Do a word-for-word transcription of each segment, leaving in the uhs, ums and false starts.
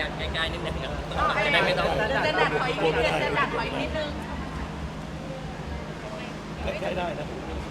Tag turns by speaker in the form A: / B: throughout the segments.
A: ใกล้ๆนิดนึงครับจะได้ไม่ต้อง
B: จะดักถอยนิดนึงจะดักถอยนิดนึง
C: ใกล้ได้นะ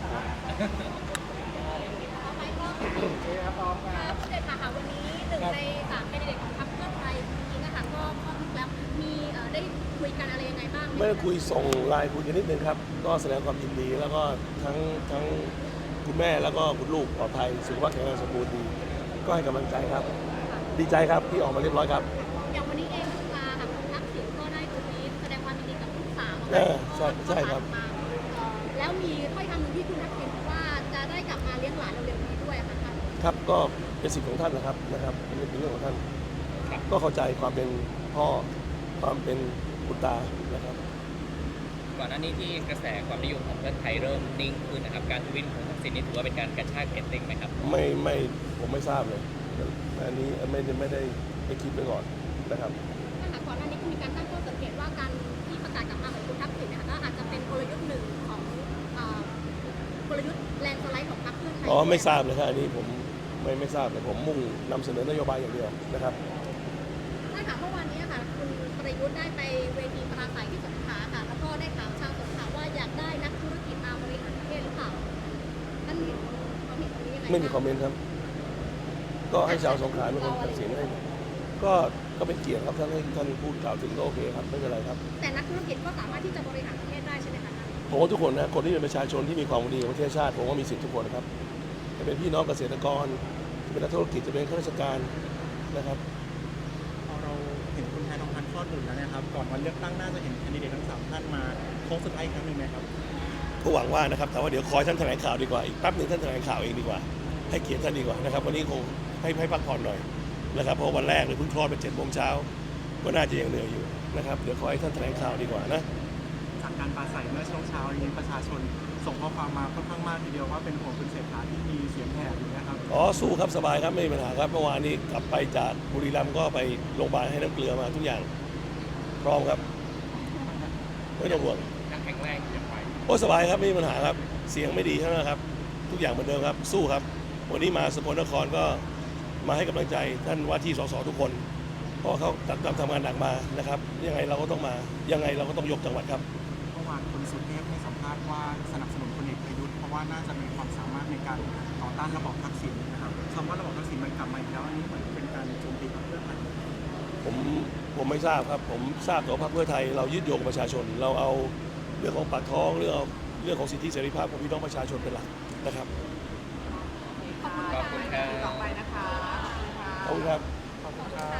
D: ครับเด็กค่ะวันนี้หนึ่งในสามแคนดิเดตของพรรคเพื่อไทยนี้นะคะก็ข้อทุกแล้วมีได้คุยกันอะไรยังไงบ้าง
C: ไม่ได้คุยส่งไลน์คุยกันนิดนึงครับก็แสดงความยินดีแล้วก็ทั้งทั้งคุณแม่แล้วก็คุณลูกปลอดภัยสุขภาพแข็งแรงสมบูรณ์ดีก็ให้กำลังใจครับดีใจครับที่ออกมาเรียบร้อยครับ
D: อย่างวันนี้เองคุณตาค่ะคุณทักษิณก็ได้ทวีตแสดงความยินดีกับลูกสาว
C: เออใช่ใช่ครับ
D: แล้วมีถ้อยคำหนึ่งที่คุณทักษิณบอกว่าจะได้กลับมาเลี้ยงหลานเร็วๆนี้ด้วยค่ะท่าน
C: ครับก็เป็นสิทธิ์ของท่านนะครับนะครับเป็นเรื่องของท่านก็เข้าใจความเป็นพ่อความเป็นคุณตานะครับ
A: ก่อนหน้านี้ที่กระแสความนิยมของเพื่อไทยเริ่มนิ่งขึ้นนะครับการทวิตของทักษิณนี่ถือว่าเป็นการกระชากเรตติ้งไหมครับ
C: ไม่ไม่ผมไม่ทราบเลยอันนี้ไม่ได้ไม่ได้ไปคิดไปก่อนนะครับ
D: ท่านคะก่อนหน้านี้ก็มีการตั้งข้อสังเกตว่าการที่ประกาศกลับมาของคุณทักษิณนะคะก็อาจจะเป็นกลยุทธ์หนึ่งของเอ่อกลยุทธ์แลนด์สไลด์ของพรรคเพื่อไทย
C: อ๋อไม่ทราบเลยครับอันนี้ผมไม่ไม่ทราบเลยผมมุ่งนำเสนอนโยบายอย่างเดียวนะครับ
D: ท่านคะเมื่อวานนี้ค่ะคุณประยุทธ์ได้ไปเวทีปราศัยที่สงขลาค่ะแล้วก็ได้ถามชาวสงขลาว่าอยากได้นักธุรกิจมาบริหารประเทศหรือเปล่าท่านมีความเห็นตรงนี้ยังไง
C: ไม่มีคอมเมนต์ครับ ก็ให้ชาวสงขลาเป็นคนตัดสินให้ก็ก็เป็นเกียรติครับท่านให้ท่านพูดกล่าวถึงก็โอเคครับไม่เป็นไรครับ
D: แต่นักธุรกิจก็สามารถที่จะบริหารประเทศได้ใช่ไหมคะท่าน
C: ผมว่าทุกคนนะคนที่เป็นประชาชนที่มีความหวังดีกับประเทศชาติผมว่ามีสิทธิทุกคนนะครับจะเป็นพี่น้องเกษตรกรจะเป็นนักธุรกิจจะเป็นข้าราชการนะครับ
E: พอเราเห็นคุณแพทองทานคลอดบุตรแล้วนะครับก่อนวันเลือกตั้งน่าจะเห็นแคนดิเดตทั้งสามท่านมาโค้งสุดท้ายอีกครั้งหนึ่งไหมครับ
C: ก็หวังว่านะครับแต่ว่าเดี๋ยวคอยท่านแถลงข่าวดีกว่าอีกแป๊บหนึ่งท่านแถลงข่าวเองดีกว่าให้เกียรติท่านดีกว่านะครับวันนี้คงให้ให้พักผ่อนหน่อยนะครับเพราะวันแรกเลยเพิ่งคลอดเป็นเจ็ดโมงเช้าก็น่าจะยังเหนื่อยอยู่นะครับเดี๋ยวคอยท่านแถลงข่าวดีกว่านะ
E: จากการปราศัยเมื่อช่วงเช้านี้ประชาชนส่งข้อความมาค่อนข้างมากทีเดียวว่าเป็นห่วงคุณเศรษฐาที่มีเสียงแหบอยู่นะครับ
C: อ๋อสู้ครับสบายครับไม่มีปัญหาครับเมื่อวานนี้กลับไปจากบุรีรัมย์ก็ไปโรงพยาบาลให้น้ำเกลือมาทุกอย่างพร้อมครับไม่ต้องห่วง
A: ยังแข็งแรงอยู่ไป
C: โอ้สบายครับไม่มีปัญหาครับเสียงไม่ดีเท่านั้นครับทุกอย่างเหมือนเดิมครับสู้ครับวันนี้มาสกลนครก็มาให้กำลังใจท่านว่าที่สสทุกคนเพราะเขาตัดทำงานหนักมานะครับยังไงเราก็ต้องมายังไงเราก็ต้องยกจังหวัดครับ
E: เมื่อวานคุณสุเทพให้สัมภาษณ์ว่าสนับสนุนพลเอกประยุทธ์เพราะว่าน่าจะมีความสามารถในการต่อต้านระบอบทักษิณนะครับคำว่าระบอบทักษิณมันกลับมาอีกแล้วอันนี้เหมือนเป็นการโจมตีพรรคเพื่อไทย
C: ผมผมไม่ทราบครับผมทราบแต่ว่าพรรคเพื่อไทยเรายึดโยงประชาชน เราเอาเรื่องของปากท้องเรื่องเอาเรื่องของสิทธิเสรีภาพของพี่น้องประชาชนเป็นหลักนะครับ
B: ขอบคุณ
A: ขอบคุณครับ
B: ต่อไปนะคะขอบคุณค่ะ
C: ขอบคุณครับ
E: ขอบคุณครับ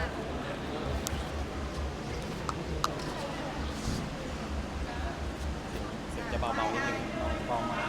A: จะเบาๆนิดนึงเบามา